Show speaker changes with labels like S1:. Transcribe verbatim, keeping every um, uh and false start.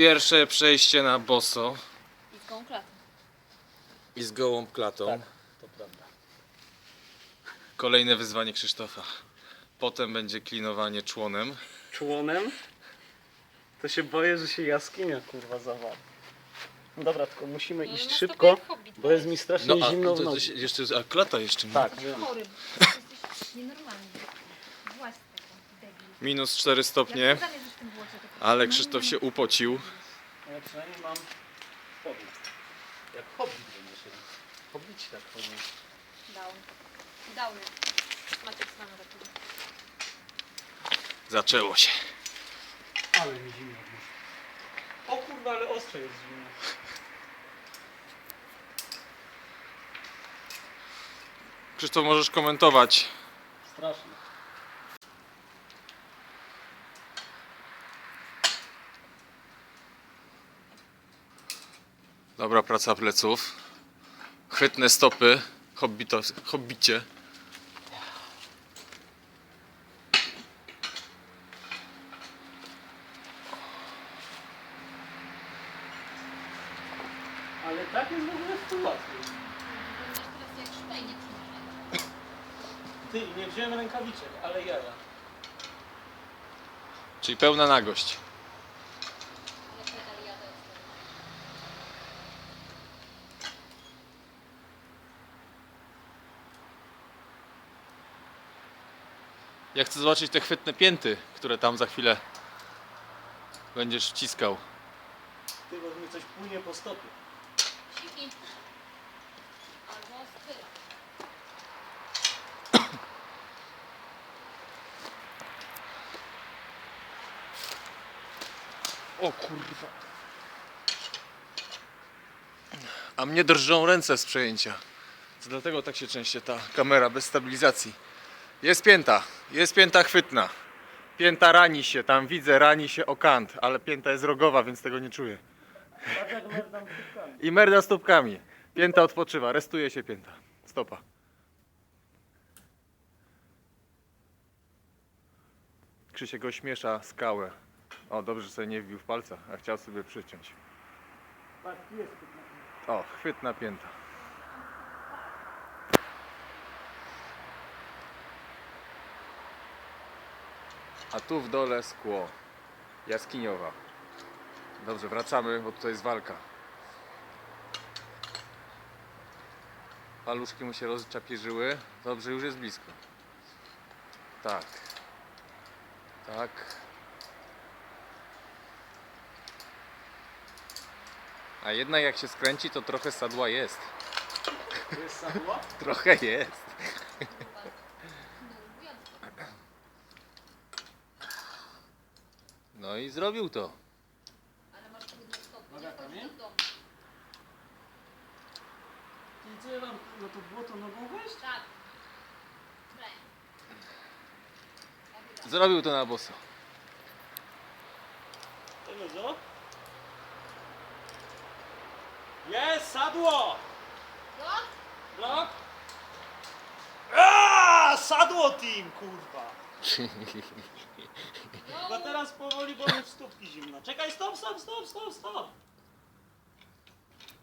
S1: Pierwsze przejście na boso
S2: I z gołą klatą.
S1: i z gołą klatą.
S3: Tak, to prawda.
S1: Kolejne wyzwanie Krzysztofa. Potem będzie klinowanie członem.
S3: Członem? To się boję, że się jaskinia kurwa zawali. No dobra, tylko musimy
S2: No,
S3: iść
S2: no,
S3: szybko,
S2: to jak hobbit
S3: bo jest
S2: weź.
S3: mi strasznie
S1: No a,
S3: zimno w
S1: to, to
S3: nocy.
S1: się jeszcze, a klata jeszcze nie.
S3: Tak, wiem.
S2: Chory. Jesteś nienormalny. Właśnie taka, debil.
S1: Minus cztery
S2: Jak
S1: stopnie,
S2: ty zamierzasz w tym błocie, to
S1: ale
S2: no,
S1: Krzysztof
S2: no,
S1: się upocił.
S3: No ja przynajmniej mam spodnie. Jak hobbit będzie się. Hobbici tak chodzą.
S2: Down. Downy. Maciek z nami taki.
S1: Zaczęło się.
S3: Ale mi zimno. O kurwa, ale ostre jest zimno.
S1: Krzysztof, możesz komentować.
S3: Strasznie.
S1: Dobra praca pleców. Chwytne stopy. Hobbito, hobbicie.
S3: Ale tak jest w ogóle w tym łatwiej.
S2: Będziesz teraz jak szpejnie przyjrzeć.
S3: Ty, nie wziąłem rękawiczek, ale jaja.
S1: Czyli pełna nagość.
S2: Ale pedal jadę jest.
S1: Ja chcę zobaczyć te chwytne pięty, które tam za chwilę będziesz wciskał.
S3: Ty, bo mi coś płynie po stopie.
S2: Siki. Albo styl.
S1: O kurwa. A mnie drżą ręce z przejęcia. To dlatego tak się częściej ta kamera bez stabilizacji. Jest pięta, jest pięta chwytna. Pięta rani się, tam widzę, rani się o kant, ale pięta jest rogowa, więc tego nie czuję.
S3: Tak jak merdam kubkami.
S1: I merda stópkami. Pięta odpoczywa, restuje się pięta. Stopa. Krzysiek ośmiesza skałę. O, dobrze, że sobie nie wbił w palca, a chciał sobie przyciąć.
S3: Tak, jest.
S1: O, chwytna pięta. A tu w dole szkło. Jaskiniowa. Dobrze, wracamy, bo tutaj jest walka. Paluszki mu się rozczapierzyły. Dobrze, już jest blisko. Tak. Tak. A jednak jak się skręci, to trochę sadła jest.
S3: To jest sadła?
S1: Trochę jest. No i zrobił to.
S2: Ale masz trudne stopy.
S3: Noga
S2: Nie
S3: tam,
S2: chodź
S3: nie?
S2: do domu.
S3: I co ja mam no to błoto nogą wejść?
S2: Tak. Kręć. Jak
S1: Zrobił to na boso.
S3: Tego co? Jest, sadło!
S2: Blok?
S3: Blok? Aaaa, sadło team, kurwa! Chyba teraz powoli, bo już stópki zimno. Czekaj, stop, stop, stop, stop, stop!